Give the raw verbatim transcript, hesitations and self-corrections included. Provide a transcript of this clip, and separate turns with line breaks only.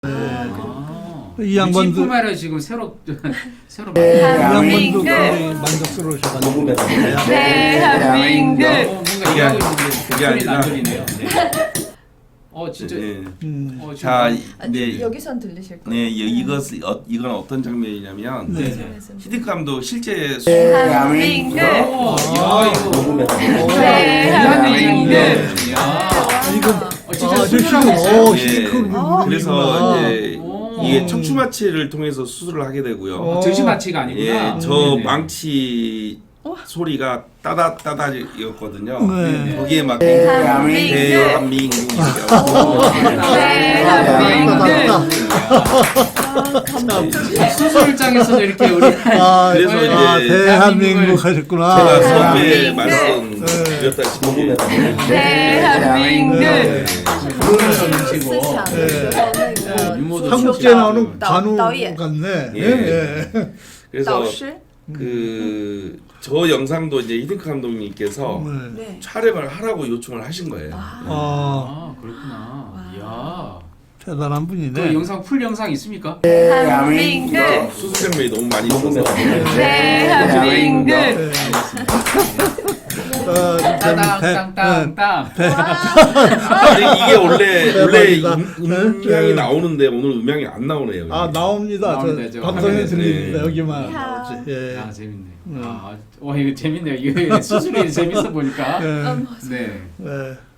아,
이 양반도
뿐만 아니라 지금 새로 새로
이 양반도
대한민국.
굉장히 만족스러우셔가지고
대한민국.
어, 뭔가 얘기하고 있는데
그게
소리는 안
아니라-
들리네요. 네. 어 진짜.
네.
음.
어, 지금
자,
아,
네,
여기선 들리실 거예요.
네, 이- 이것 어, 이건 어떤 장면이냐면
네.
네.
히딩크 감독 실제 수-
대한민국.
오, 야 이거.
대한민국.
네. 야.
이거
어, 진짜
아,
수술하고
저
있어요.
지금, 어,
예,
히딩크
아,
그래서 이제
오.
이게 척추 마취를 통해서 수술을 하게 되고요.
어.
정신 마취가 아니구나.
예, 저
네네.
망치 소리가 따다 따다였거든요.
네.
거기에 막
대한민국.
대한민국
수술장에서도 이렇게 우리
아,
그래서
아,
이제
대한민국 하셨구나.
제가
네.
처음에
대한민국.
말씀드렸다시피
대한민국.
네.
그러시고
네.
유머도
한국제 나오는
나-
관우
나오예.
같네.
예.
예.
그래서
导师.
그 저 영상도 이제 히딩크 감독님께서
네.
네.
촬영을 하라고 요청을 하신 거예요.
아,
아 그렇구나. 이야.
대단한
그
분이네.
영상 풀 영상 있습니까?
대한민국.
수술 장면이 너무 많이 있어서
대한민국.
네. 어,
땅땅땅땅땅.
근데 이게 원래 원래
대박이다.
음, 음향이
네.
나오는데 오늘 음향이 안 나오네요.
아 나옵니다.
나옵니다.
저
저
방송에
화면에.
들립니다.
네.
여기만
야.
나오지. 예.
아 재밌네.
음.
아, 와 이거 재밌네요. 이거 수술이 재밌어 보니까.
예.
음,
네.
예.